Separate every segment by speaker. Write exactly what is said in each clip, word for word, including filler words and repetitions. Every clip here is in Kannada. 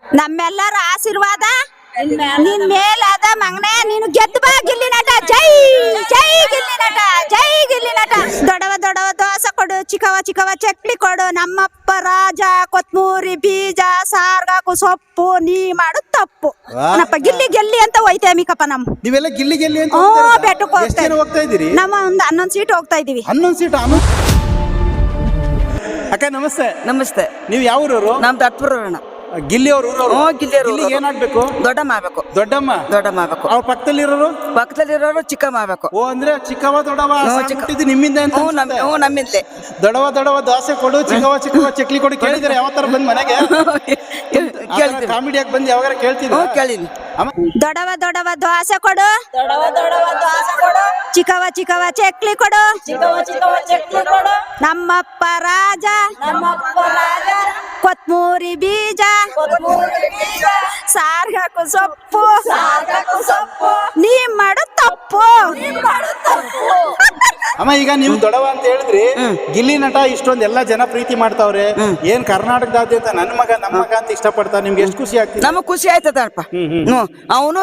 Speaker 1: ನಮ್ಮೆಲ್ಲರ ಆಶೀರ್ವಾದ ನಿನ್ ಮೇಲಾದ ಮಗನೇ. ನೀನು ಗೆದ್ದು ಬಾ ಗಿಲ್ಲಿ ನಟ. ಜೈ ಜೈ ಗಿಲ್ಲಿ ನಟ, ಜೈ ಗಿಲ್ಲಿ ನಟ. ದೊಡವ ದೊಡವ ದೋಸೆ ಕೊಡು, ಚಿಕ್ಕವ ಚಿಕ್ಕವ ಚಕ್ಲಿ ಕೊಡು, ನಮ್ಮಪ್ಪ ರಾಜ ಕೊತ್ಮೂರಿ ಬೀಜ ಸಾರ್ಗಾಕು ಸೊಪ್ಪು, ನೀ ಮಾಡು ತಪ್ಪು. ನಪ್ಪ ಗಿಲ್ಲಿ ಗೆಲ್ಲಿ ಅಂತ ಹೋಯ್ತೇ ಮಿಕಪ್ಪ. ನಮ್
Speaker 2: ನೀವೆಲ್ಲ ಗಿಲ್ಲಿ ಗೆಲ್ಲಿ ಅಂತ
Speaker 1: ಹ್ಮ್ ಬೆಟ್ಟಕ್ಕೆ
Speaker 2: ಎಷ್ಟು ಜನ ಹೋಗ್ತಾ ಇದ್ದೀರಿ?
Speaker 1: ನಮ್ಮ ಒಂದು ಹನ್ನೊಂದು ಸೀಟ್ ಹೋಗ್ತಾ ಇದೀವಿ.
Speaker 2: ಹನ್ನೊಂದು ಸೀಟ್. ಅಕ್ಕ ನಮಸ್ತೆ.
Speaker 3: ನಮಸ್ತೆ.
Speaker 2: ನೀವು ಯಾವ ಊರವರು?
Speaker 3: ನಮ್ದು ಹತ್ಪುರ
Speaker 2: ಗಿಲ್ಲಿ ಅವ್ರ ಊರವರು.
Speaker 3: ಗಿಲ್ಲಿ
Speaker 2: ಏನಾಗ್ಬೇಕು?
Speaker 3: ದೊಡ್ಡಮ್ಮ ಆಗ್ಬೇಕು.
Speaker 2: ದೊಡ್ಡಮ್ಮ
Speaker 3: ದೊಡ್ಡಮ್ಮ ಆಗ್ಬೇಕು.
Speaker 2: ಅವ್ರ ಪಕ್ಕದಲ್ಲಿರೋರು
Speaker 3: ಪಕ್ಕದಲ್ಲಿರೋರು ಚಿಕ್ಕಮ್ಮ ಆಗ್ಬೇಕು.
Speaker 2: ಓ ಅಂದ್ರೆ ಚಿಕ್ಕವ ದೊಡ್ಡವ ಹುಟ್ಟಿದ್ದು ನಿಮ್ಮಿಂದ ಅಂತ
Speaker 3: ಹ್ಞೂ ನಮ್
Speaker 2: ಅನ್ಸುತ್ತೆ.
Speaker 3: ಹ್ಞೂ ನಮ್ಮಿಂದೆ.
Speaker 2: ದೊಡವ ದೊಡವ ದೋಸೆ ಕೊಡು, ಚಿಕ್ಕವ ಚಿಕ್ಕವ ಚಕ್ಲಿ ಕೊಡು ಕೇಳಿದ್ರೆ ಯಾವ ತರ ಬಂದ್ ಮನೆಗೆ?
Speaker 3: ಕೇಳ್ತೀವಿ.
Speaker 2: ಕಾಮಿಡಿಯಾಗಿ ಬಂದು ಯಾವಾಗ ಕೇಳ್ತಿದ್ರು?
Speaker 3: ಹ್ಞೂ ಕೇಳಿನಿ.
Speaker 1: ದೊಡವ ದೊಡವ ದೋಸೆ ಕೊಡು, ದೊಡವ ದೊಡವ ದೋಸೆ ಕೊಡು, ಚಿಕ್ಕವ ಚಿಕ್ಕವ ಚಕ್ಲಿ ಕೊಡು, ಚಿಕ್ಕವ ಚಿಕ್ಕವ ಚಕ್ಲಿ ಕೊಡು, ನಮ್ಮಪ್ಪ ರಾಜ, ನಮ್ಮಪ್ಪ ರಾಜ ಕೊತ್ಮೂರಿ ಬೀಜ, ಕೊತ್ಮೂರಿ ಬೀಜ ಸಾರ್ಗಾಕು ಸೊಪ್ಪು, ಸಾರ್ಗಾಕು ಸೊಪ್ಪು, ನೀ ಮಾಡು ತಪ್ಪು, ನೀ ಮಾಡು ತಪ್ಪು.
Speaker 2: ಅಮ್ಮ ಈಗ ನೀವು ದೊಡವ ಅಂತ ಹೇಳಿದ್ರಿ, ಗಿಲ್ಲಿ ನಟ ಇಷ್ಟೊಂದು ಎಲ್ಲಾ ಜನ ಪ್ರೀತಿ ಮಾಡ್ತಾವ್ರೆ, ಏನ್ ಕರ್ನಾಟಕದಾದ್ಯಂತ ನನ್ನ ಮಗ ನಮ್ಮ ಮಗ ಅಂತ ಇಷ್ಟಪಡ್ತಾರೆ, ನಿಮ್ಗೆ ಎಷ್ಟು ಖುಷಿ ಆಗ್ತದೆ?
Speaker 3: ನಮಗ್ ಖುಷಿ ಆಯ್ತದಪ್ಪ. ಅವನು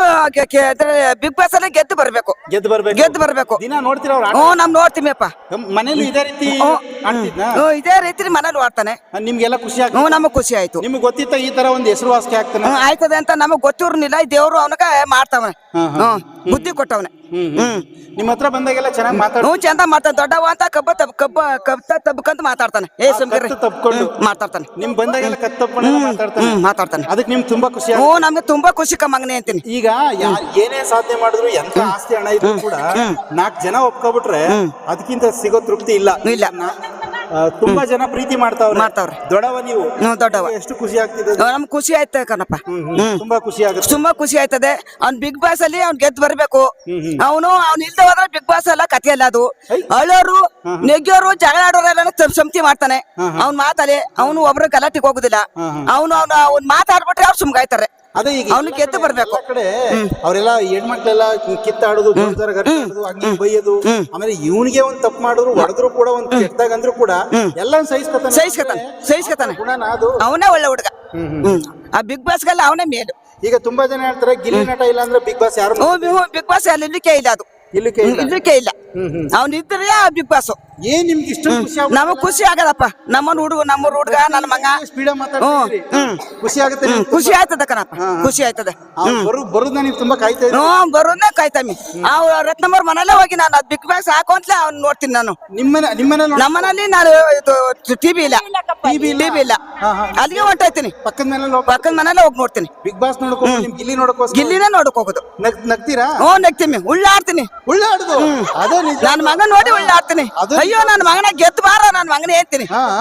Speaker 3: ಬಿಗ್ ಬಾಸ್ ಅಲ್ಲಿ ಗೆದ್ದು ಬರ್ಬೇಕು.
Speaker 2: ಗೆದ್ದು ಬರ್ಬೇಕು.
Speaker 3: ಗೆದ್ದು ಬರ್ಬೇಕು.
Speaker 2: ದಿನ ನೋಡ್ತೀರ ಅವ್ರ
Speaker 3: ಹ್ಞೂ ನಮ್ ನೋಡ್ತೀವಿಪ್ಪ.
Speaker 2: ಮನೇಲಿ ಇದೇ ರೀತಿ ಆಡ್ತಿದ್ನಾ?
Speaker 3: ಹ್ಞೂ ಇದೇ ರೀತಿ ಮನೇಲಿ ಆಡ್ತಾನೆ.
Speaker 2: ನಿಮ್ಗೆಲ್ಲ ಖುಷಿ ಆಗ್ತದೆ?
Speaker 3: ಹ್ಞೂ ನಮಗ್ ಖುಷಿ ಆಯ್ತು.
Speaker 2: ನಿಮ್ಗೆ ಗೊತ್ತಿತ್ತ ಈ ತರ ಒಂದು ಹೆಸರುವಾಸಿ ಆಗ್ತಾನೆ?
Speaker 3: ಹ್ಞೂ ಆಯ್ತದೆ ಅಂತ ನಮಗ್ ಗೊತ್ತಿರ್ನಿಲ್ಲ. ದೇವ್ರು ಅವನಗ ಮಾಡ್ತಾವನೆ. ಹ್ಮ್ ಬುದ್ಧಿ ಕೊಟ್ಟವನೆ.
Speaker 2: ಹ್ಮ್ ನಿಮ್ಮ ಹತ್ರ ಬಂದಾಗೆಲ್ಲ ಚೆನ್ನಾಗಿ ಮಾತಾಡ.
Speaker 3: ಹ್ಞೂ ಚಂದ ಮಾಡ್ತಾನೆ. ದೊಡ್ಡವ ಅಂತ ಕಬ್ಬ ತಬ್ ಕಬ್ಬ ಕಬ್ಬ ತಬ್ಬಕಂತ ಮಾತಾಡ್ತಾನೆ. ಏ ಸುಮ್ಕಿರಿ
Speaker 2: ತಪ್ಕೊಂಡು
Speaker 3: ಮಾತಾಡ್ತಾನೆ.
Speaker 2: ನಿಮ್ ಬಂದಾಗೆಲ್ಲ ಕತ್ ತಪ್ಕೊಂಡು ಮಾತಾಡ್ತಾನೆ.
Speaker 3: ಹ್ಮ್ ಮಾತಾಡ್ತಾನೆ.
Speaker 2: ಅದಕ್ಕೆ ನಿಮ್ಗೆ ತುಂಬಾ ಖುಷಿ.
Speaker 3: ಹ್ಞೂ ನಮ್ಗೆ ತುಂಬಾ ಖುಷಿ ಕಮ್ಮಗನೆ ಅಂತೀನಿ.
Speaker 2: ಈಗ ಯಾ- ಏನೇ ಸಾಧನೆ ಮಾಡಿದ್ರು ಎಂತ ಆಸ್ತಿ ಹಣ ಇದ್ರು ಕೂಡ ನಾಲ್ಕು ಜನ ಒಪ್ಕೊಬಿಟ್ರೆ ಅದಕ್ಕಿಂತ ಸಿಗೋ ತೃಪ್ತಿ ಇಲ್ಲ.
Speaker 3: ಇಲ್ಲ.
Speaker 2: ಆ, ತುಂಬಾ ಜನ ಪ್ರೀತಿ ಮಾಡ್ತಾವ್ರೆ.
Speaker 3: ಮಾಡ್ತಾವ್ರೆ.
Speaker 2: ದೊಡವ ನೀವು.
Speaker 3: ಹ್ಞೂ ದೊಡ್ಡವ.
Speaker 2: ಎಷ್ಟು ಖುಷಿ ಆಗ್ತಿದೆ?
Speaker 3: ನಮ್ಗೆ ಖುಷಿ ಆಯ್ತು ಕಣಪ್ಪ.
Speaker 2: ತುಂಬಾ ಖುಷಿ ಆಗುತ್ತೆ.
Speaker 3: ತುಂಬಾ ಖುಷಿ ಆಯ್ತದೆ. ಅವ್ನ್ ಬಿಗ್ ಬಾಸ್ ಅಲ್ಲಿ ಅವ್ನ್ ಗೆದ್ದು ಬರ್ಬೇಕು. ಅವನು ಅವ್ನ ಇಲ್ದ ಹೋದ್ರೆ ಬಿಗ್ ಬಾಸ್ ಎಲ್ಲ ಕಥೆ ಅಲ್ಲ ಅದು. ಅಳೋರು ನೆಗ್ಯೋರು ಜಗಳ ಆಡೋರೆಲ್ಲ ಸಂತಿ ಮಾಡ್ತಾನೆ. ಅವ್ನ್ ಮಾತಲ್ಲಿ ಅವನು ಒಬ್ರು ಗಲಾಟಿಗೆ ಹೋಗುದಿಲ್ಲ. ಅವನು ಅವ್ನ ಅವ್ನ್ ಮಾತಾಡ್ಬಿಟ್ರೆ ಅವ್ರು ಸುಮ್ಗಾಯ್ತಾರೆ.
Speaker 2: ಅದೇ ಈಗ
Speaker 3: ಅವ್ನು ಗೆದ್ದು ಬರ್ಬೇಕು.
Speaker 2: ಎಲ್ಲಾ ಕಡೆ ಅವರೆಲ್ಲ ಹೆಣ್ಮಕ್ಳೆಲ್ಲ ಕಿತ್ತಾಡೋದು, ಜೋರ್ದಾರ ಗಟ್ಟಾಡೋದು, ಹಂಗೆ ಬೈಯೋದು. ಆಮೇಲೆ ಇವನಿಗೆ ಒಂದ್ ತಪ್ಪು ಮಾಡಿದ್ರು ಹೊಡೆದ್ರು ಕೂಡ ಒಂದ್ ಕೆಟ್ಟದಾಗ ಅಂದ್ರು ಕೂಡ ಎಲ್ಲ ಸಹಿಸ್ಕೊತಾನೆ.
Speaker 3: ಸಹಿಸ್ಕೊತಾನೆ ಸಹಿಸ್ಕೊತಾನೆ
Speaker 2: ಗುಣನ ಅದು.
Speaker 3: ಅವನೇ ಒಳ್ಳೆ ಹುಡುಗ. ಹ್ಮ್ ಆ ಬಿಗ್ ಬಾಸ್ಗೆಲ್ಲ ಅವನೇ ಮೇಲು.
Speaker 2: ಈಗ ತುಂಬಾ ಜನ ಹೇಳ್ತಾರೆ ಗಿಲ್ಲಿ ನಟ ಇಲ್ಲ ಅಂದ್ರೆ ಬಿಗ್ ಬಾಸ್ ಯಾರು
Speaker 3: ಬಿಗ್ ಬಾಸ್ ಅಲ್ಲಿ ಇರ್ಲಿಕ್ಕೆ ಇಲ್ಲ. ಅದು
Speaker 2: ಇಲ್ಲಿಕ್ಕೆ ಇಲ್ಲ.
Speaker 3: ಇರ್ಲಿಕ್ಕೆ ಇಲ್ಲ. ಅವ್ನ ಇದ್ರೆ ಬಿಗ್ ಬಾಸ್.
Speaker 2: ಏನ್ ನಿಮ್ಗೆ ಇಷ್ಟ ಖುಷಿ ಆಗುತ್ತೆ?
Speaker 3: ನಮಗ್ ಖುಷಿ ಆಗದಪ್ಪ. ನಮ್ಮನ್ ಹುಡುಗ ನಮ್ಮ ಹುಡುಗ ನನ್ನ ಮಗ
Speaker 2: ಸ್ಪೀಡ ಮಾತಾಡ್ತೀರಿ, ಖುಷಿ ಆಗುತ್ತೆ ನಿಮ್ಗೆ?
Speaker 3: ಖುಷಿ ಆಯ್ತದ ಕಣಪ್ಪ. ಖುಷಿ ಆಯ್ತದೆ.
Speaker 2: ಬರುದ ನೀವು ತುಂಬಾ ಕಾಯ್ತಾ ಇದ್ದೀರಿ.
Speaker 3: ಹ್ಮ್ ಬರೋದೇ ಕಾಯ್ತಾಮಿ. ಅವ್ ರತ್ನಮ್ಮರ್ ಮನೆಯಲ್ಲೇ ಹೋಗಿ ನಾನು ಅದ್ ಬಿಗ್ ಬಾಸ್ ಹಾಕು ಅಂತಲೇ ಅವ್ನ್ ನೋಡ್ತೀನಿ ನಾನು.
Speaker 2: ನಿಮ್ಮನೆ ನಿಮ್ಮನೆ
Speaker 3: ನಮ್ಮನಲ್ಲಿ ನಾನು ಇದು ಟಿವಿ ಇಲ್ಲ. ಟಿವಿ ಇಲ್ಲ. ಅಲ್ಲಿಗೆ ಹೊಂಟೋಯ್ತೀನಿ.
Speaker 2: ಪಕ್ಕದ ಮನೇಲಿ
Speaker 3: ಪಕ್ಕದ ಮನೆಯಲ್ಲೇ ಹೋಗಿ ನೋಡ್ತೀನಿ.
Speaker 2: ಬಿಗ್ ಬಾಸ್ ನೋಡ್ಕೊ, ನಿಮ್ ಗಿಲ್ಲಿ ನೋಡ್ಕೋ.
Speaker 3: ಗಿಲ್ಲಿನೇ ನೋಡಕ್ ಹೋಗುದು.
Speaker 2: ನಗ್ತೀರಾ?
Speaker 3: ಹ್ಞೂ ನಗ್ತೀನಿ. ಉಳ್ಳಾಡ್ತೀನಿ.
Speaker 2: ಉಳ್ಳಾಡುದು ಅದೇ ನಿಜ.
Speaker 3: ನನ್ ಮಗ ನೋಡಿ ಉಳ್ಳಾಡ್ತೀನಿ. ಅಯ್ಯೋ ನನ್ ಮಗನ ಗೆದ್ದು ಬಾರ ನನ್ ಮಗನೇ ಹೇಳ್ತೀನಿ.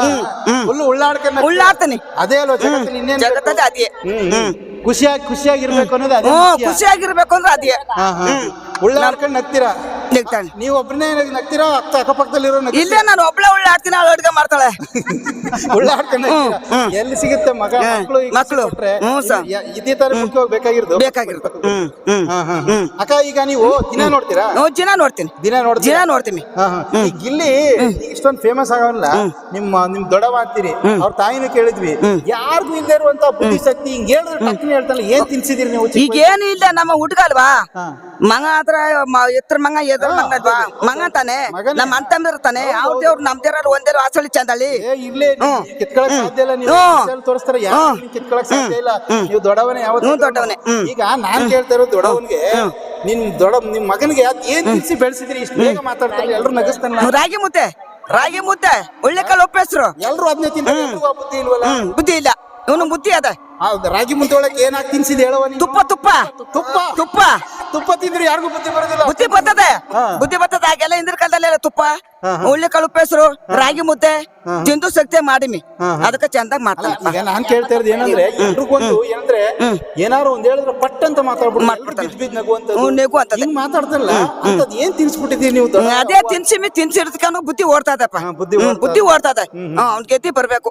Speaker 2: ಫುಲ್ ಉಳ್ಳಾಡ್ಕೊಂಡು
Speaker 3: ಉಳ್ಳಾಡ್ತೀನಿ.
Speaker 2: ಅದೇ ಅಲ್ವಾ ಜಗತ್ತಲ್ಲಿ ಇನ್ನೇನು
Speaker 3: ಜಗತ್ತಲ್ಲಿ ಅದೇ.
Speaker 2: ಖುಷಿಯಾಗಿ ಖುಷಿಯಾಗಿರ್ಬೇಕು ಅನ್ನೋದು ಅದೇ.
Speaker 3: ಹ್ಮ್ ಖುಷಿಯಾಗಿರ್ಬೇಕು ಅಂದ್ರೆ ಅದೇ.
Speaker 2: ಉಳ್ಳಾಡ್ಕೊಂಡು ನಗ್ತೀರಾ?
Speaker 3: ನಗ್ತಾನೆ.
Speaker 2: ನೀವು ಒಬ್ಬನೇ ನಗ್ತೀರಾ? ಅಕ್ಕ ಅಕ್ಕಪಕ್ಕದಲ್ಲಿರೋ ನಗ್ತೀರಾ?
Speaker 3: ಇಲ್ಲೇ ನಾನು ಒಬ್ಳೆ ಉಳ್ಳಾಡ್ತೀನಿ. ಅವಳು ಅಡ್ಗೆ ಮಾಡ್ತಾಳೆ.
Speaker 2: ಉಳ್ಳಾಡ್ಕೊಂಡು ಎಲ್ಲಿ ಸಿಗುತ್ತೆ ಮಗ ಮಕ್ಕಳು
Speaker 3: ಮಕ್ಕಳು. Hmm sir.
Speaker 2: ಇದೇ ತರ ಮುಖ್ಯವಾಗಿ ಬೇಕಾಗಿರೋದು
Speaker 3: ಬೇಕಾಗಿರುತ್ತೆ. ಹ್ಮ್ ಹ್ಮ್
Speaker 2: ಅಕ್ಕ ಈಗ ನೀವು ದಿನ ನೋಡ್ತೀರಾ?
Speaker 3: ಹ್ಞೂ ದಿನ ನೋಡ್ತೀನಿ.
Speaker 2: ದಿನ ನೋಡ್ತೀರಾ?
Speaker 3: ದಿನ ನೋಡ್ತೀನಿ.
Speaker 2: ಈ ಗಿಲ್ಲಿ ಇಷ್ಟೊಂದು ಫೇಮಸ್ ಆಗಲ್ಲ. ನಿಮ್ಮ ನಿಮ್ ದೊಡವ ಅಂತೀರಿ, ಅವ್ರ ತಾಯಿನೂ ಕೇಳಿದ್ವಿ. ಯಾರಿಗೂ ಇಲ್ಲದೆ ಇರುವಂತ ಬುದ್ಧಿ ಶಕ್ತಿ ಹಿಂಗ್ ಹೇಳಿದ್ರೆ ಟಕ್ಕನೆ ಹೇಳ್ತಾನೆ. ಏನ್ ತಿನ್ಸಿದಿರಿ ನೀವು?
Speaker 3: ಈಗ ಏನು ಇಲ್ಲ. ನಮ್ಮ ಹುಡುಗ ಅಲ್ವಾ ಮಗ ಹತ್ರ ಎತ್ರ ಮಂಗ ಎದ್ರ ಮಂಗ ಅಲ್ವಾ ಮಗ ತಾನೆ. ನಮ್ಮ ಅಂತಂದ್ರ ತಾನೆ. ಅವ್ರ ದೇವ್ರು ನಮ್ ದೇವ್ರ ಒಂದೇ ವಾಸಳಿ ಚಂದಳಿ
Speaker 2: ಇರ್ಲಿ ಕಿತ್ಕೊಳಕ್ ಸಾಧ್ಯ ಇಲ್ಲ. ನೀವು ತೋರಿಸ್ತಾರೆ ಯಾರು ಕಿತ್ಕೊಳಕ್ ಸಾಧ್ಯ ಇಲ್ಲ. ನೀವು ದೊಡ್ಡವನೇ. ಯಾವತ್ತು
Speaker 3: ದೊಡ್ಡವನೇ.
Speaker 2: ಈಗ ನಾನ್ ಕೇಳ್ತಾ ಇರೋದು ದೊಡ್ಡವನ್ಗೆ, ನಿಮ್ ದೊಡ್ಡ ನಿಮ್ ಮಗನಿಗೆ ಏನ್ ತಿನ್ಸಿ ಬೆಳೆಸಿದ್ರಿ? ಇಷ್ಟು ಬೇಗ ಮಾತಾಡ್ತಾರೆ, ಎಲ್ರು ನಗಿಸ್ತಾನೆ.
Speaker 3: ರಾಗಿ ಮುದ್ದೆ. ರಾಗಿ ಮುದ್ದೆ ಒಳ್ಳೆ ಕಾಳು ಉಪ್ಪು ಹೆಸರು.
Speaker 2: ಎಲ್ರು ಅದನ್ನೇ ತಿಂತಾರೆ. ಬುದ್ಧಿ ಇಲ್ವಲ್ಲ?
Speaker 3: ಬುದ್ಧಿ ಇಲ್ಲ. ಇವನು ಬುದ್ಧಿ ಅದ.
Speaker 2: ರಾಗಿ ಮುದ್ದೆ ಒಳಗೆ ಏನಾಗಿ ತಿನ್ಸಿದ್ ಹೇಳುವ?
Speaker 3: ತುಪ್ಪ ತುಪ್ಪ
Speaker 2: ತುಪ್ಪ
Speaker 3: ತುಪ್ಪ
Speaker 2: ತುಪ್ಪ ತಿಂದ್ರೆ ಯಾರಿಗೂ ಬುದ್ಧಿ ಬರೋದಿಲ್ಲ.
Speaker 3: ಬುದ್ಧಿ ಬರ್ತದೆ. ಬುದ್ಧಿ ಬರ್ತದೆ. ಆಗೆಲ್ಲ ಹಿಂದಿನ ಕಾಲದಲ್ಲೆಲ್ಲ ತುಪ್ಪ ಒಳ್ಳೆ ಕಾಳು ಉಪ್ಪು ಹೆಸರು ರಾಗಿ ಮುದ್ದೆ ತಿಂದು ಶಕ್ತಿ ಮಾಡಿಮಿ. ಅದಕ್ಕೆ ಚಂದಾಗ ಮಾಡ್ತಾನೆ.
Speaker 2: ಈಗ ನಾನ್ ಕೇಳ್ತಾ ಇರೋದು ಏನಂದ್ರೆ, ಎಲ್ರಿಗೊಂದು ಏನಂದ್ರೆ ಏನಾರು ಒಂದ್ ಹೇಳಿದ್ರೆ ಪಟ್ ಅಂತ ಮಾತಾಡ್ಬಿಡ್ತಾರೆ.
Speaker 3: ನೆಗು ಅಂತ
Speaker 2: ಹಿಂಗ್ ಮಾತಾಡ್ತಾರಲ್ಲ, ಅಂತದ್ ಏನ್ ತಿನ್ಸ್ಬಿಟ್ಟಿದೀರಿ ನೀವು?
Speaker 3: ಅದೇ ತಿನ್ಸಿಮಿ ತಿನ್ಸಿರ್ದಕ್ಕೂ ಬುದ್ಧಿ ಓಡ್ತಾದಪ್ಪ. ಬುದ್ಧಿ ಓಡ್ತದೆ. ಅವ್ನ್ ಗೆದ್ದಿ ಬರ್ಬೇಕು.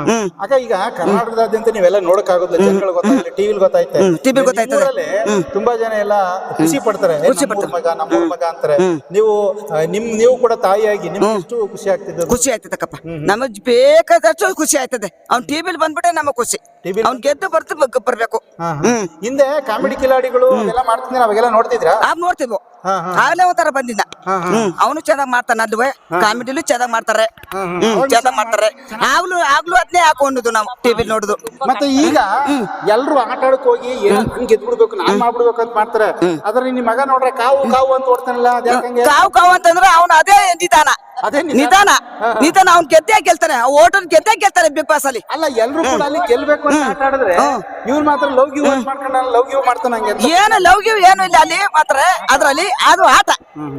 Speaker 2: ಆಗ ಈಗ ಕರ್ನಾಟಕದಾದ್ಯಂತ ನೀವೆಲ್ಲ ನೋಡಕ್ ಆಗೋದಿಲ್ಲ. ಜನಗಳು ಗೊತ್ತಾಗ್ತದೆ, ಟಿವಿ ಗೊತ್ತಾಯ್ತೆ.
Speaker 3: ಟಿವಿ ಗೊತ್ತಾಯ್ತದೆ.
Speaker 2: ತುಂಬಾ ಜನ ಎಲ್ಲ ಖುಷಿ ಪಡ್ತಾರೆ. ಮಗ ನಮ್ಮೂರ್ ಮಗ ಅಂತಾರೆ. ನೀವು ನಿಮ್ ನೀವು ಕೂಡ ತಾಯಿಯಾಗಿ ನಿಮ್ಗೆ ಎಷ್ಟು ಖುಷಿ ಆಗ್ತಿದ್ದು?
Speaker 3: ಖುಷಿ ಆಯ್ತದಕ್ಕಪ್ಪ. ನಮಗ್ ಬೇಕಾದಷ್ಟು ಖುಷಿ ಆಯ್ತದೆ ಅವ್ನ್ ಟಿವಿಲಿ ಬಂದ್ಬಿಟ್ಟೆ ನಮಗ್ ಖುಷಿ
Speaker 2: T V ಲಿ
Speaker 3: ಅವ್ನ್ ಗೆದ್ದು ಬರ್ತು ಬಗ್- ಬರ್ಬೇಕು ಹ್ಮ್
Speaker 2: ಹಿಂದೆ ಕಾಮಿಡಿ ಕಿಲಾಡಿಗಳು ಅವೆಲ್ಲ ಮಾಡ್ತಿದ್ರೆ ಅವಾಗೆಲ್ಲ ನೋಡ್ತಿದ್ರಾ?
Speaker 3: ಆಗ ನೋಡ್ತಿದ್ವು
Speaker 2: ಹಾ, ಹಾ.
Speaker 3: ಆಗ್ಲೇ ಒಂಥರ ಬಂದಿದ್ದ ಹ್ಮ್ ಅವನು ಚೆನ್ನಾಗ್ ಮಾಡ್ತಾನ ಅಲ್ವೇ ಕಾಮಿಡಿಲು ಚೆನ್ನಾಗ್ ಮಾಡ್ತಾರೆ ಹ್ಮ್ ಚೆನ್ನಾಗ್ ಮಾಡ್ತಾರೆ ಆಗ್ಲೂ ಆಗ್ಲೂ ಅದ್ನೇ ಹಾಕೊಂಡಿದ್ದು ನಾವು ಟಿವಿ ನೋಡುದು
Speaker 2: ಮತ್ತೆ ಈಗ ಎಲ್ರು ಆಟ ಆಡಕ್ ಹೋಗಿ ಏನೋ ನಾನ್ ಗೆದ್ಬಿಡ್ಬೇಕು ನಾನ್ ಮಾಡ್ಬಿಡ್ಬೇಕು ಅಂತ ಮಾಡ್ತಾರೆ. ಅದ್ರಲ್ಲಿ ನಿಮ್ ಮಗ ನೋಡ್ರೆ ಕಾವು ಕಾವು ಅಂತ ಓಡ್ತಾನಲ್ಲ ಅದ್ಯಾಕಂಗೆ?
Speaker 3: ಕಾವು ಕಾವು ಅಂತಂದ್ರೆ ಅವನು ಅದೇ ನಿಧಾನ
Speaker 2: ಅದೇ ನಿಧಾನ.
Speaker 3: ನಿಧಾನ ನಿಧಾನ ಅವ್ನ್ ಗೆದ್ದೇ ಗೆಲ್ತಾನೆ ಓಟನ್ ಗೆದ್ದೇ ಗೆಲ್ತಾನೆ ಬಿಗ್ ಬಾಸ್ ಅಲ್ಲಿ
Speaker 2: ಅಲ್ಲ ಎಲ್ರು ಕೂಡ ಅಲ್ಲಿ ಗೆಲ್ಬೇಕು ಅಂತ ಆಟ ಆಡಿದ್ರೆ ಇವ್ರು ಮಾತ್ರ ಲವ್ ಗಿವ್ ಮಾಡ್ಕೊಂಡ ಲವ್ ಗಿವ್ ಮಾಡ್ತಾನ ಹಂಗೆ ಅಂತ.
Speaker 3: ಏನು ಲವ್ ಗಿವ್ ಏನು ಇಲ್ಲ ಅಲ್ಲಿ ಮಾತ್ರ ಅದ್ರಲ್ಲಿ ಅದು ಆಟ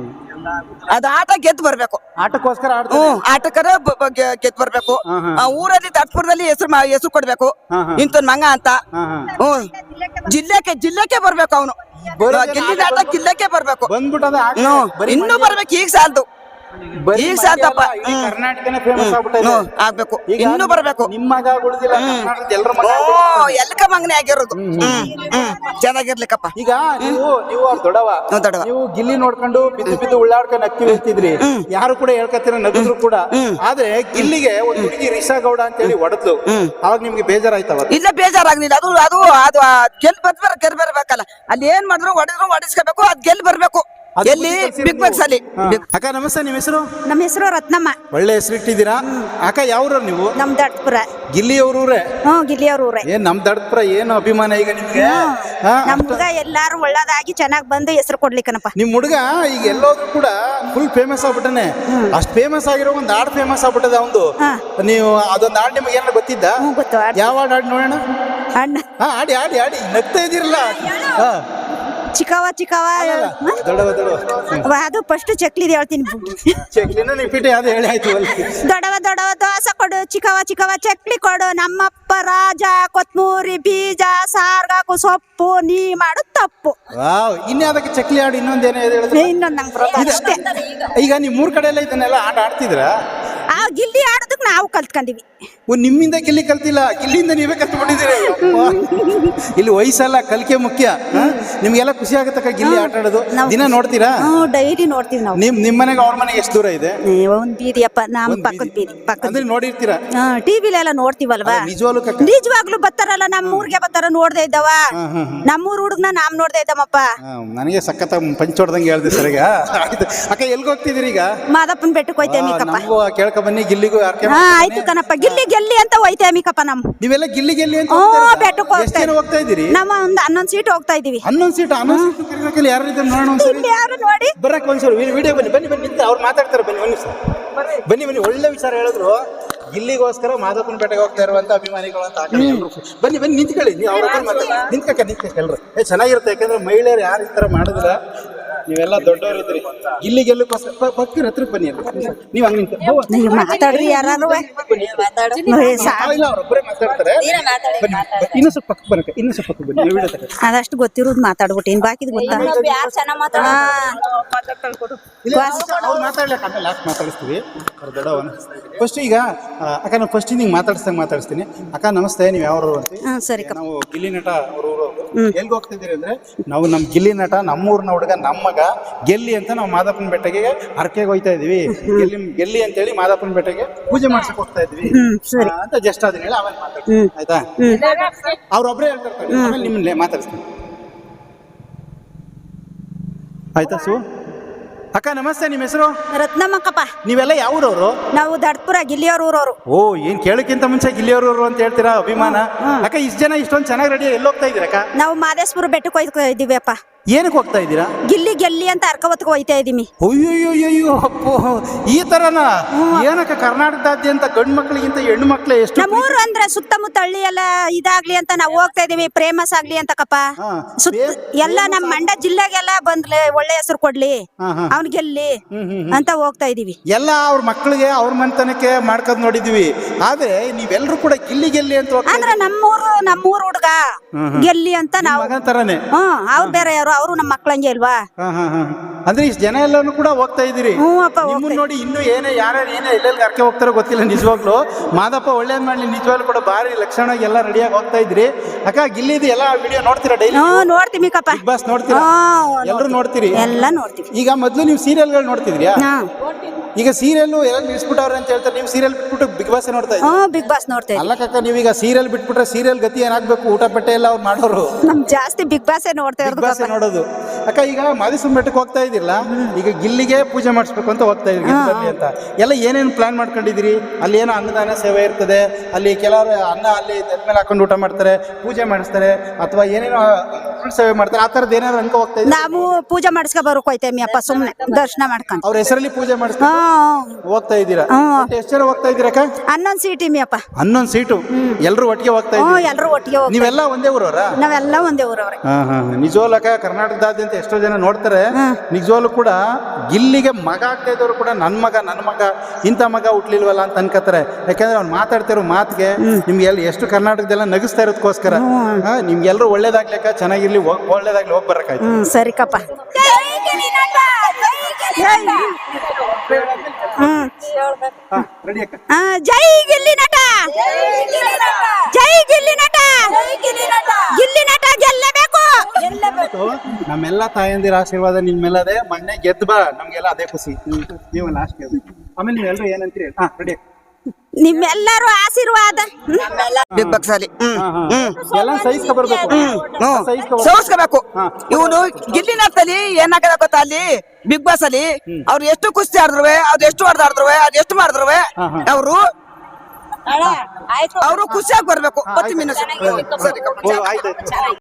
Speaker 3: ಅದು ಆಟ ಗೆದ್ದು ಬರ್ಬೇಕು
Speaker 2: ಆಟಕ್ಕೋಸ್ಕರ ಆಡ್ತಾರೆ.
Speaker 3: ಹ್ಮ್ ಆಟಕ್ಕರ ಗೆದ್ದು ಬರ್ಬೇಕು ಆ ಊರಲ್ಲಿ ದಟ್ಪುರದಲ್ಲಿ ಹೆಸರು ಹೆಸರು ಕೊಡ್ಬೇಕು ಇಂತ ಮಂಗ ಅಂತ ಹ್ಮ್ ಜಿಲ್ಲೆಗೆ ಜಿಲ್ಲೆಗೆ ಬರ್ಬೇಕು ಅವನು ಗೆದ್ದಿದ ಆಟ ಜಿಲ್ಲೆಗೆ ಬರ್ಬೇಕು
Speaker 2: ಬಂದ್ಬಿಟ್ಟದ
Speaker 3: ಇನ್ನೂ ಬರ್ಬೇಕು ಈಗ ಸಾಲದು ಈಗ ಸಾಲ್ತಪ್ಪ
Speaker 2: ಕರ್ನಾಟಕನೇ ಫೇಮಸ್ ಆಗ್ಬಿಟ್ಟೈತೆ.
Speaker 3: ಹ್ಮ್ ಆಗ್ಬೇಕು
Speaker 2: ಈಗ
Speaker 3: ಇನ್ನೂ ಬರ್ಬೇಕು
Speaker 2: ನಿಮ್ ಮಗ ಉಳಿದಿಲ್ಲ ಕರ್ನಾಟಕದ ಎಲ್ರ ಮಗ
Speaker 3: ಓ ಎಲ್ಕ ಮಂಗನೆ ಆಗಿರೋದು ಹ್ಮ್ ಹ್ಮ್ ಚೆನ್ನಾಗಿರ್ಲಿಕ್ಕಪ್ಪ
Speaker 2: ಈಗ ನೀವು ನೀವು ಅವ್ರ ದೊಡವ
Speaker 3: ಹ್ಮ್, ದೊಡ್ಡವ.
Speaker 2: ನೀವು ಗಿಲ್ಲಿ ನೋಡ್ಕೊಂಡು ಬಿದ್ದು ಬಿದ್ದು ಉಳ್ಳಾಡ್ಕೊಂಡು ಅಕ್ಕಿ ಹೇಳ್ತಿದ್ರಿ ಯಾರು ಕೂಡ ಹೇಳ್ಕತ್ತಿರ ನಗಿದ್ರು ಕೂಡ ಆದ್ರೆ ಗಿಲ್ಲಿಗೆ ಒಂದು ಹುಡುಗಿ ರಿಷಾ ಗೌಡ ಅಂತ ಹೇಳಿ ಹೊಡೆದ್ಲು ಅವಾಗ ನಿಮ್ಗೆ ಬೇಜಾರಾಯ್ತವ?
Speaker 3: ಇಲ್ಲ ಬೇಜಾರಾಗ್ಲಿಲ್ಲ ಅದು ಅದು ಅದು ಆ ಗೆಲ್ ಬರ್ಬಾರ ಗೆಲ್ ಬರ್ಬೇಕಲ್ಲ ಅಲ್ಲಿ ಏನ್ ಮಾಡಿದ್ರು ಹೊಡೆದ್ರು ಹೊಡಿಸ್ಕೋಬೇಕು ಅದ್ ಗೆಲ್ ಬರ್ಬೇಕು ಎಲ್ಲಿ ಬಿಗ್ ಬಾಸ್ ಅಲ್ಲಿ
Speaker 2: ಅಕ್ಕ ನಮಸ್ತೆ, ನಿಮ್ ಹೆಸರು?
Speaker 1: ನಮ್ಮ ಹೆಸರು ರತ್ನಮ್ಮ.
Speaker 2: ಒಳ್ಳೆ ಹೆಸರು ಇಟ್ಟಿದ್ದೀರಾ ಅಕ್ಕ. ಯಾವ್ರ ನೀವು?
Speaker 1: ನಮ್ ದಡ್ಪುರ.
Speaker 2: ಗಿಲ್ಲಿ ಅವ್ರೂರೇ?
Speaker 1: ಹ್ಮ್ ಗಿಲ್ಲಿಯವ್ರ ಊರೇ.
Speaker 2: ಏನ್ ನಮ್ ದಡ್ಪುರ ಏನು ಅಭಿಮಾನ ಈಗ ನಿಮ್ಗೆ? ಹಾ,
Speaker 1: ನಮ್ ಹುಡುಗ ಎಲ್ಲಾರು ಒಳ್ಳೇದಾಗಿ ಚೆನ್ನಾಗ್ ಬಂದು ಹೆಸರು ಕೊಡ್ಲಿಕ್ಕನಪ್ಪ.
Speaker 2: ನಿಮ್ ಹುಡುಗ ಈಗ ಎಲ್ಲೋದ್ರು ಕೂಡ ಫುಲ್ ಫೇಮಸ್ ಆಗ್ಬಿಟ್ಟನೆ. ಅಷ್ಟ್ ಫೇಮಸ್ ಆಗಿರೋ ಒಂದ್ ಹಾಡ್ ಫೇಮಸ್ ಆಗ್ಬಿಟ್ಟದ ಅವಂದು. ನೀವು ಅದೊಂದ್ ಹಾಡ್ ನಿಮ್ಗೆ ಏನಾರ ಗೊತ್ತಿದ್ದ?
Speaker 1: ಹ್ಮ್ ಗೊತ್ತು.
Speaker 2: ಯಾವ ಹಾಡ್ ಹಾಡ್ ನೋಡೋಣ.
Speaker 1: ಅಣ್ಣ
Speaker 2: ಹಾ ಆಡಿ ಆಡಿ ಆಡಿ ನಗ್ತಾ ಇದೀರಲ್ಲ. ಹಾ
Speaker 1: ಚಿಕ್ಕವ ಚಿಕ್ಕವ
Speaker 2: ದೊಡವ ದೊಡವ
Speaker 1: ಅದು ಫಸ್ಟ್ ಚಕ್ಲಿದ್ ಹೇಳ್ತೀನಿ.
Speaker 2: ಚಕ್ಲಿನ ನಿಪಿಟಿ ಅದು ಹೇಳಿ ಆಯ್ತು ಅಲ್ಲಿ.
Speaker 1: ದೊಡವ ದೊಡವ ದೋಸೆ ಕೊಡು, ಚಿಕ್ಕವ ಚಿಕ್ಕವ ಚಕ್ಲಿ ಕೊಡು, ನಮ್ಮಪ್ಪ ರಾಜ ಕೊತ್ಮೂರಿ ಬೀಜ ಸಾರ್ಗಾಕು ಸೊಪ್ಪು, ನೀ ಮಾಡು ತಪ್ಪು.
Speaker 2: ವಾವ್, ಇನ್ನ ಅದಕ್ಕೆ ಚಕ್ಲಿ ಹಾಡು ಇನ್ನೊಂದೇನೋ ಹೇಳಿದ್ರೆ
Speaker 1: ಇನ್ನೊಂದ್ ನಂಗೆ ಬರೋದು ಅಷ್ಟೇ.
Speaker 2: ಈಗ ನಿಮ್ ಮೂರ್ ಕಡೆ ಎಲ್ಲ ಇದನ್ನೆಲ್ಲ ಆಟ ಆಡ್ತಿದ್ರ?
Speaker 1: ಆ ಗಿಲ್ಲಿ ಆಡೋದಕ್ ನಾವು ಕಲ್ತ್ಕೊಂಡಿವಿ.
Speaker 2: ಓ ನಿಮ್ಮಿಂದ ಗಿಲ್ಲಿ ಕಲ್ತಿಲ್ಲ, ಗಿಲ್ಲಿಂದ ನೀವೇ ಕಲ್ತ್ಬಿಟ್ಟಿದ್ದೀರಿ. ಇಲ್ಲಿ ವಯಸ್ಸಲ್ಲ ಕಲಿಕೆ ಮುಖ್ಯ. ನಿಮ್ಗೆಲ್ಲ ಖುಷಿ ಆಗತ್ತಕ್ಕ ಗಿಲ್ಲಿ ಆಟ ಆಡೋದು? ದಿನ ನೋಡ್ತೀರಾ?
Speaker 1: ಹ್ಮ್ ಡೈಲಿ ನೋಡ್ತೀವಿ ನಾವು.
Speaker 2: ನಿಮ್ ನಿಮ್ ಮನೆಗೆ ಅವ್ರ ಮನೆಗೆ ಎಷ್ಟು ದೂರ ಇದೆ?
Speaker 1: ಏ, ಒಂದ್ ಬೀದಿಯಪ್ಪ ನಮ್
Speaker 2: ಒಂದ್
Speaker 1: ಪಕ್ಕದ ಬೀದಿ ಪಕ್ಕದ
Speaker 2: ಅಂದ್ರೆ ನೋಡಿರ್ತೀರಾ?
Speaker 1: ಟಿವಿಲೆಲ್ಲ ನೋಡ್ತೀವಲ್ವಾ?
Speaker 2: ನಿಜವಾಗ್ಲೂ ಕಕ್ಕ
Speaker 1: ನಿಜವಾಗ್ಲೂ ಬರ್ತಾರಲ್ಲ ನಮ್ಮ ಊರ್ಗೆ ಬರ್ತಾರ ನೋಡ್ದೆ ಇದ್ದವ. ನಮ್ಮೂರ್ ಹುಡುಗ್ನ ನಾಮ್ ನೋಡ್ದೆ ಇದ್ದಮ್ಮಪ್ಪ.
Speaker 2: ಹಾ, ನನಗೆ ಸಖತ್ ಪಂಚ್ ಹೊಡ್ದಂಗೆ ಹೇಳ್ದೆ ಸರ್. ಈಗ ಆಯ್ತು ಅಕ್ಕ, ಎಲ್ಗ ಹೋಗ್ತಿದ್ದೀರಿ ಈಗ?
Speaker 1: ಮಾದಪ್ಪನ್ ಬೆಟ್ಟಕ್ಕೆ ಹೋಯ್ತೇವೆ ಕಪ್ಪ.
Speaker 2: ನಮಗೂ ಕೇಳ್ಕ ಬನ್ನಿ, ಗಿಲ್ಲಿಗೂ ಯಾರ್ಕೆ
Speaker 1: ಹಾ ಆಯ್ತು ಕಣಪ್ಪ, ಗಿಲ್ಲಿ ಗೆಲ್ಲಿ ಅಂತ ಹೋಯ್ತೇವೆ ಕಪ್ಪ. ನಮ್
Speaker 2: ನೀವೆಲ್ಲ ಗಿಲ್ಲಿ ಗೆಲ್ಲಿ ಅಂತ
Speaker 1: ಹ್ಮ್
Speaker 2: ಹೋಗ್ತಾ
Speaker 1: ಬೆಟ್ಟಕ್ಕೆ
Speaker 2: ಇದ್ದೀರಾ? ಎಷ್ಟ್ ಜನ ಹೋಗ್ತಾ ಇದ್ದೀರಿ?
Speaker 1: ನಮ್ಮ ಒಂದ್ ಹನ್ನೊಂದ್ ಸೀಟ್ ಹೋಗ್ತಾ ಇದೀವಿ.
Speaker 2: ಹನ್ನೊಂದು ಸೀಟ್ ಹನ್ನೊಂದು ಸೀಟ್ ಕರಿಬೇಕಲ್ಲ, ಯಾರು ಇದ್ದಾರೆ ನೋಡೋಣ ಒಂದ್ಸರಿ.
Speaker 1: ಇಲ್ಲಿ ಯಾರು ನೋಡಿ
Speaker 2: ಬರಕ್ ಒಂದ್ಸರಿ ವಿಡಿಯೋ ಬನ್ನಿ ಬನ್ನಿ ಬನ್ನಿ ನಿಂತ ಅವ್ರು ಮಾತಾಡ್ತಾರೆ. ಬನ್ನಿ ಒಂದು ನಿಮಿಷ ಬನ್ನಿ ಬನ್ನಿ. ಒಳ್ಳೆ ವಿಚಾರ ಹೇಳಿದ್ರು. ಗಿಲ್ಲಿಗೋಸ್ಕರ ಮಾದಪ್ಪನ ಪೇಟೆಗೆ ಹೋಗ್ತಾ ಇರುವಂತ ಅಭಿಮಾನಿಗಳು ಅಂತ ಹಾಕಿ ಬನ್ನಿ ಬನ್ನಿ ನಿಂತ್ಕೊಳ್ಳಿ. ನೀವು ಅವ್ರ ಹತ್ರ ಮಾತಾಡಿ ನಿಂತ್ಕಕ್ಕ ನಿಂತ್ಕ ಎಲ್ರು. ಏ ಚೆನ್ನಾಗಿರುತ್ತೆ, ಯಾಕಂದ್ರೆ ಮಹಿಳೆಯರು ಯಾರು ಈ ತರ ಮಾಡಿದ್ರ ನೀವೆಲ್ಲ ದೊಡ್ಡವರು ಇದ್ರಿ. ಗಿಲ್ಲಿ ಗೆಲ್ಲಕ್ಕೋಸ್ಕರ ಪಕ್ಕದ ಹತ್ರಕ್ಕೆ ಬನ್ನಿ. ನೀವು ಹಂಗ ನಿಂತ
Speaker 1: ನೀವು ಮಾತಾಡ್ರಿ ಯಾರು
Speaker 2: ಅವ್ರೊಬ್ಬರೇ ಮಾತಾಡ್ತಾರೆ. ಬನ್ನಿ ಇನ್ನೂ ಸ್ವಲ್ಪ ಪಕ್ಕ ಬರಕ್ಕೆ, ಇನ್ನೂ ಸ್ವಲ್ಪ ಪಕ್ಕ ಬನ್ನಿ. ವಿಡಿಯೋ ತಗೊಳ್ಳಿ.
Speaker 1: ಅದಷ್ಟು ಗೊತ್ತಿರೋದು ಮಾತಾಡ್ಬಿಟ್ಟು ಇನ್ ಬಾಕಿದ್ ಗೊತ್ತಾ?
Speaker 2: ಅವ್ರು ಮಾತಾಡ್ಲಿಕ್ಕೆ ಆಮೇಲೆ ಲಾಸ್ಟ್ ಮಾತಾಡಿಸ್ತೀವಿ ಅವ್ರ ದೊಡ್ಡವನ. ಫಸ್ಟ್ ಈಗ ಅಕ್ಕ ನಾವು ಫಸ್ಟ್ ನಿಂಗೆ ಮಾತಾಡಿಸ್ದಂಗೆ ಮಾತಾಡಿಸ್ತೀನಿ. ಅಕ್ಕ ನಮಸ್ತೆ, ನೀವು ಯಾವ್ರು ಅಂತ?
Speaker 1: ಹಾ ಸರಿ ಕಪ್ಪ.
Speaker 2: ನಾವು ಗಿಲ್ಲಿ ನಟ ಅವ್ರ ಊರು. ಎಲ್ಗೆ ಹೋಗ್ತಿದ್ದೀರಿ ಅಂದ್ರೆ ನಾವು ನಮ್ ಗಿಲ್ಲಿ ನಟ ನಮ್ಮೂರ್ನ ಹುಡುಗ ನಮ್ಮ ಮಗ ಗೆಲ್ಲಿ ಅಂತ ನಾವು ಮಾದಪ್ಪನ ಬೆಟ್ಟಗೆ ಹರಕೆಗೆ ಹೋಯ್ತಾ ಇದೀವಿ. ಗೆಲ್ಲಿ ಗೆಲ್ಲಿ ಅಂತ ಹೇಳಿ ಮಾದಪ್ಪನ ಬೆಟ್ಟಗೆ ಪೂಜೆ ಮಾಡ್ಸಕ್ ಹೋಗ್ತಾ ಇದ್ವಿ ಅಂತ ಜಸ್ಟ್ ಅದನ್ನ ಹೇಳಿ ಆಮೇಲೆ ಮಾತಾಡ್ತೀನಿ ಆಯ್ತಾ? ಅವ್ರೊಬ್ರೇ ಹೇಳ್ತಾರೆ, ಆಮೇಲೆ ನಿಮ್ಮನ್ನೇ ಮಾತಾಡಿಸ್ತೀನಿ ಆಯ್ತಾ? ಸು ಅಕ್ಕ ನಮಸ್ತೆ, ನಿಮ್ಮ ಹೆಸರು?
Speaker 1: ರತ್ನಮ್ಮಕ್ಕಪ್ಪ.
Speaker 2: ನೀವೆಲ್ಲ ಯಾವ್ರವ್ರು?
Speaker 1: ನಾವು ದಡ್ಪುರ ಗಿಲ್ಲಿಯವ್ರ ಊರವ್ರು.
Speaker 2: ಓ, ಏನ್ ಕೇಳಕ್ಕಿಂತ ಮುಂಚೆ ಗಿಲ್ಲಿಯವ್ರವ್ರು ಅಂತ ಹೇಳ್ತೀರಾ, ಅಭಿಮಾನ. ಅಕ್ಕ ಇಷ್ಟ ಜನ ಇಷ್ಟೊಂದು ಚೆನ್ನಾಗಿ ರೆಡಿ ಎಲ್ಲಿ ಹೋಗ್ತಾ ಇದೀರಕ್ಕ?
Speaker 1: ನಾವು ಮಾದೇಶ್ವರ ಬೆಟ್ಟಕ್ಕೆ ಹೋಯ್ತಾ ಇದೀವಿ ಅಪ್ಪ.
Speaker 2: ಏನಕ್ಕೆ ಹೋಗ್ತಾ ಇದ್ದೀರಾ?
Speaker 1: ಗಿಲ್ಲಿ ಗೆಲ್ಲಿ ಅಂತ ಅರ್ಕ ಹೊತ್ಕೊ ಹೋಯ್ತಾ ಇದೀವಿ.
Speaker 2: ಅಯ್ಯೋಯ್ಯೋ ಅಪ್ಪೋ, ಈ ತರನ? ಏನಕ್ಕ ಕರ್ನಾಟಕದಾದ್ಯಂತ ಗಂಡು ಮಕ್ಳಿಗಿಂತ ಹೆಣ್ಣು ಮಕ್ಳು ಎಷ್ಟು?
Speaker 1: ನಮ್ಮೂರು ಅಂದ್ರೆ ಸುತ್ತಮುತ್ತ ಹಳ್ಳಿ ಎಲ್ಲ ಇದಾಗ್ಲಿ ಅಂತ ನಾವು ಹೋಗ್ತಾ ಇದೀವಿ, ಫೇಮಸ್ ಆಗ್ಲಿ ಅಂತ ಕಪ್ಪ. ಸುತ್ತ ಎಲ್ಲ ನಮ್ಮ ಮಂಡ್ಯ ಜಿಲ್ಲೆಗೆಲ್ಲ ಬಂದ್ಲೆ ಒಳ್ಳೆ ಹೆಸರು ಕೊಡ್ಲಿ, ಅವ್ನ್ ಗೆಲ್ಲಿ ಅಂತ ಹೋಗ್ತಾ ಇದೀವಿ.
Speaker 2: ಎಲ್ಲ ಅವ್ರ ಮಕ್ಳಿಗೆ ಅವ್ರ ಮನೆತನಕ್ಕೆ ಮಾಡ್ಕೊಂಡ್ ನೋಡಿದೀವಿ. ಆದ್ರೆ ನೀವೆಲ್ಲರೂ ಕೂಡ ಗಿಲ್ಲಿ ಗೆಲ್ಲಿ ಅಂತ
Speaker 1: ಅಂದ್ರೆ ನಮ್ಮೂರು ನಮ್ಮೂರು ಹುಡ್ಗ ಗೆಲ್ಲಿ ಅಂತ ನಾವು
Speaker 2: ಮಗನ್ ತರನೇ.
Speaker 1: ಹ್ಮ್ ಅವ್ರು ಬೇರೆ ಯಾರು, ಅವರು ನಮ್ಮ ಮಕ್ಳಂಗೆ ಅಲ್ವಾ?
Speaker 2: ಅಂದ್ರೆ ಇಷ್ಟು ಜನ ಎಲ್ಲಾನು ಕೂಡ ಹೋಗ್ತಾ ಇದೀರಿ. ನಿಮ್ಮನ್ನ ನೋಡಿ ಇನ್ನು ಏನೇ ಯಾರ್ಯಾರು ಏನೇ ಎಲ್ಲೆಲ್ಲಿ ಅರ್ಕೆ ಹೋಗ್ತಾರೋ ಗೊತ್ತಿಲ್ಲ. ನಿಜವಾಗ್ಲು ಮಾದಪ್ಪ ಒಳ್ಳೇದ್ ಮಾಡ್ಲಿ, ನಿಜವಾಗ್ಲು ಕೂಡ ಬಾರಿ ಲಕ್ಷಣವಾಗಿ ಎಲ್ಲ ರೆಡಿಯಾಗಿ ಹೋಗ್ತಾ ಇದ್ರಿ. ಅಕ್ಕ ಗಿಲ್ಲಿದು ಎಲ್ಲ ವಿಡಿಯೋ ನೋಡ್ತೀರಾ ಡೈಲಿ?
Speaker 1: ನೋಡ್ತೀವಿ ಕಪ್ಪ.
Speaker 2: ಬಿಗ್ ಬಾಸ್ ನೋಡ್ತೀರಾ? ಎಲ್ಲರೂ ನೋಡ್ತೀರಿ?
Speaker 1: ಎಲ್ಲ ನೋಡ್ತೀವಿ.
Speaker 2: ಈಗ ಮೊದ್ಲು ನೀವು ಸೀರಿಯಲ್ಗಳು ನೋಡ್ತಿದ್ರಿಯಾ? ಈಗ ಸೀರಿಯಲ್ ಎಲ್ಲ ನಿಲ್ಸ್ಬಿಟ್ಟವ್ರೆ ಅಂತ ಹೇಳ್ತಾರೆ, ನೀವು ಸೀರಿಯಲ್ ಬಿಟ್ಬಿಟ್ಟು ಬಿಗ್ ಬಾಸ್ ನೋಡ್ತಾ ಇದ್ದೀವಿ.
Speaker 1: ಹ್ಮ್ ಬಿಗ್ ಬಾಸ್ ನೋಡ್ತಾ ಇದ್ದೀವಿ.
Speaker 2: ಅಲ್ಲ ಕಕ್ಕ, ನೀವೀಗ ಸೀರಿಯಲ್ ಬಿಟ್ಬಿಟ್ರೆ ಸೀರಿಯಲ್ ಗತಿ ಏನಾಗ್ಬೇಕು? ಊಟ ಪಟ್ಟೆ ಎಲ್ಲ ಅವ್ರು ಮಾಡೋರು
Speaker 1: ನಮ್ ಜಾಸ್ತಿ ಬಿಗ್ ಬಾಸ್ ನೋಡ್ತಾ
Speaker 2: ಬಿಗ್ ಬಾಸ್
Speaker 1: ಇರೋದು.
Speaker 2: ನೋಡೋದು. ಅಕ್ಕ ಈಗ ಮಾದೇಶ್ವರನ ಬೆಟ್ಟಕ್ಕೆ ಹೋಗ್ತಾ ಇದಿರಲ್ಲ, ಈಗ ಗಿಲ್ಲಿಗೆ ಪೂಜೆ ಮಾಡಿಸ್ಬೇಕು ಅಂತ ಹೋಗ್ತಾ ಇದ್ರಿ ಗೆದ್ದು ಅಂತ ಎಲ್ಲ ಏನೇನು ಪ್ಲಾನ್ ಮಾಡ್ಕೊಂಡಿದ್ದೀರಿ? ಅಲ್ಲಿ ಏನೋ ಅನ್ನದಾನ ಸೇವೆ ಇರ್ತದೆ, ಅಲ್ಲಿ ಕೆಲವರು ಅನ್ನ ಅಲ್ಲಿ ತಲೆ ಮೇಲೆ ಹಾಕೊಂಡು ಊಟ ಮಾಡ್ತಾರೆ, ಪೂಜೆ ಮಾಡಿಸ್ತಾರೆ, ಅಥವಾ ಏನೇನೋ ಫುಲ್ ಸೇವೆ ಮಾಡ್ತಾರೆ, ಆ ಥರದ್ದು ಏನಾದ್ರು ಅನ್ಕೋ ಹೋಗ್ತಾ ಇದ್ದೀರಿ?
Speaker 1: ನಾವು ಪೂಜೆ ಮಾಡಿಸ್ಕೊ ಬರೋಕ್ ಹೋಯ್ತೇವೆ ಅಪ್ಪ, ಸುಮ್ನೆ ದರ್ಶನ ಮಾಡ್ಕೊಂಡ್.
Speaker 2: ಅವ್ರ ಹೆಸರಲ್ಲಿ ಪೂಜೆ ಮಾಡಿಸ್ಕೊಂಡು ಹೋಗ್ತಾ ಇದ್ದೀರಾ? ಎಷ್ಟು ಜನ ಹೋಗ್ತಾ ಇದ್ದೀರಕ್ಕ?
Speaker 1: ಹನ್ನೊಂದ್ ಸೀಟಿ ಅಪ್ಪ.
Speaker 2: ಹನ್ನೊಂದು ಸೀಟು ಎಲ್ಲರೂ ಒಟ್ಟಿಗೆ ಹೋಗ್ತಾ
Speaker 1: ಹ್ಮ್
Speaker 2: ಇದ್ದೀರಿ?
Speaker 1: ಎಲ್ರು ಒಟ್ಟಿಗೆ ಹೋಗ್ತೀವಿ.
Speaker 2: ನೀವೆಲ್ಲ ಒಂದೇ ಊರವರ?
Speaker 1: ನಾವೆಲ್ಲ ಒಂದೇ ಊರವ್ರೆ.
Speaker 2: ಹಾ ಹಾ ನಿಜವಾಗ್ಲಕ್ಕ ಕರ್ನಾಟಕದಾದ್ಯಂತ ಎಷ್ಟೋ ಜನ ನೋಡ್ತಾರೆ. ನಿಜವಾಗ್ಲೂ ಕೂಡ ಗಿಲ್ಲಿಗೆ ಮಗ ಆಗ್ತಾ ಇದ್ದವರು ಕೂಡ ನನ್ನ ಮಗ ನನ್ನ ಮಗ ಇಂಥ ಮಗ ಹುಟ್ಲಿಲ್ವಲ್ಲ ಅಂತ ಅನ್ಕೋತಾರೆ. ಯಾಕಂದ್ರೆ ಅವ್ನು ಮಾತಾಡ್ತಿರೋ ಮಾತಿಗೆ ನಿಮ್ಗೆ ಎಲ್ಲಿ ಎಷ್ಟು ಕರ್ನಾಟಕದೆಲ್ಲ ನಗಿಸ್ತಾ ಇರೋದಕ್ಕೋಸ್ಕರ ನಿಮ್ಗೆಲ್ಲರೂ ಒಳ್ಳೇದಾಗ್ಲಿಕ್ಕ, ಚೆನ್ನಾಗಿರ್ಲಿ, ಒಳ್ಳೇದಾಗ್ಲಿ, ಹೋಗಿ ಬರಕಾಯ್ತು.
Speaker 1: ಹ್ಮ್ ಸರಿ ಕಪ್ಪ. ಹ್ಮ್
Speaker 2: ರೆಡಿ ಅಕ್ಕ?
Speaker 1: ಆ, ಜೈ ಗಿಲ್ಲಿ ನಟ, ಜೈ ಗಿಲ್ಲಿ ನಟ, ಗಿಲ್ಲಿ ನಟ ಗೆಲ್ಲಬೇಕು.
Speaker 2: ನಮ್ಮೆಲ್ಲ ತಾಯಂದಿರ ಆಶೀರ್ವಾದ ನಿಮ್ಮೆಲ್ಲದೆ. ಮೊನ್ನೆ ಗೆದ್ದು ಬಾ, ನಮ್ಗೆಲ್ಲ ಅದೇ ಖುಷಿ. ನೀವು ಲಾಸ್ಟ್ ಆಮೇಲೆ ನೀವೆಲ್ಲರೂ ಏನಂತೀರಿ? ಹಾ ರೆಡಿ.
Speaker 1: ನಿಮ್ಮೆಲ್ಲರೂ ಆಶೀರ್ವಾದ.
Speaker 3: ಬಿಗ್ ಬಾಸ್ ಅಲ್ಲಿ ಹ್ಮ್ ಹ್ಮ್
Speaker 2: ಎಲ್ಲ ಸಹಿಸ್ಕೊ ಬರ್ಬೇಕು.
Speaker 3: ಸೋಸ್ಕೋಬೇಕು. ಇವನು ಗಿಲ್ಲಿ ನಟದಲ್ಲಿ ಏನಾಗದ ಗೊತ್ತಾ, ಅಲ್ಲಿ ಬಿಗ್ ಬಾಸ್ ಅಲ್ಲಿ ಅವ್ರು ಎಷ್ಟು ಕುಸ್ತಿ ಆಡಿದ್ರು, ಅವ್ರು ಎಷ್ಟು ಹೊಡೆದಾಡಿದ್ರು, ಅದ್ ಎಷ್ಟು ಮಾಡಿದ್ರು, ಅವರು ಅವರು ಖುಷಿಯಾಗಿ ಬರ್ಬೇಕು. ಬರ್ತೀನಿ.
Speaker 2: ಆಯ್ತು.